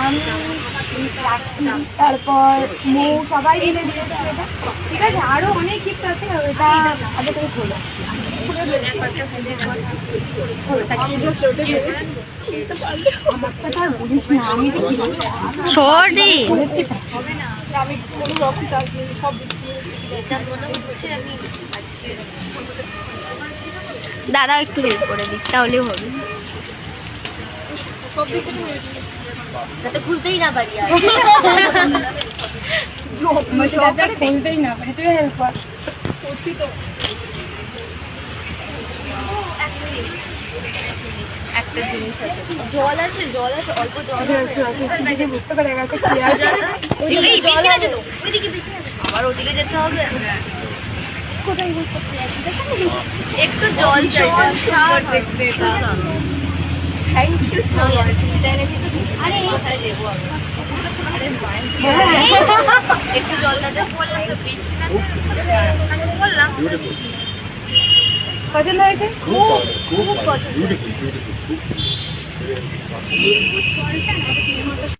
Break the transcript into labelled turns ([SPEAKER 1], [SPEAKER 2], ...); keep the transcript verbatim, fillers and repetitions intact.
[SPEAKER 1] আমি, তারপর মৌ সবাই মিলে দিয়েছে এটা। ঠিক আছে, আরো অনেক গিফট আছে, ওটা আগে থেকে খোলো।
[SPEAKER 2] দাদা একটু হেল্প করে দিক, তাহলেও হবে। যাতে খুলতেই না পারি আর
[SPEAKER 1] খুলতেই না পারি, তুই হেল্প কর।
[SPEAKER 2] একটা জিনিস আছে, জল আছে, জল আছে, অল্প জল
[SPEAKER 1] বুঝতে পেরে গেছে কি আছে।
[SPEAKER 2] আবার ওদিকে যেতে হবে, একটু জল চাই। Thank you so much. আরে কোথায় যাবো আমি? একটু জলটা দে। বললাম
[SPEAKER 1] পছন্দ হয়েছে?
[SPEAKER 2] খুব খুব পছন্দ।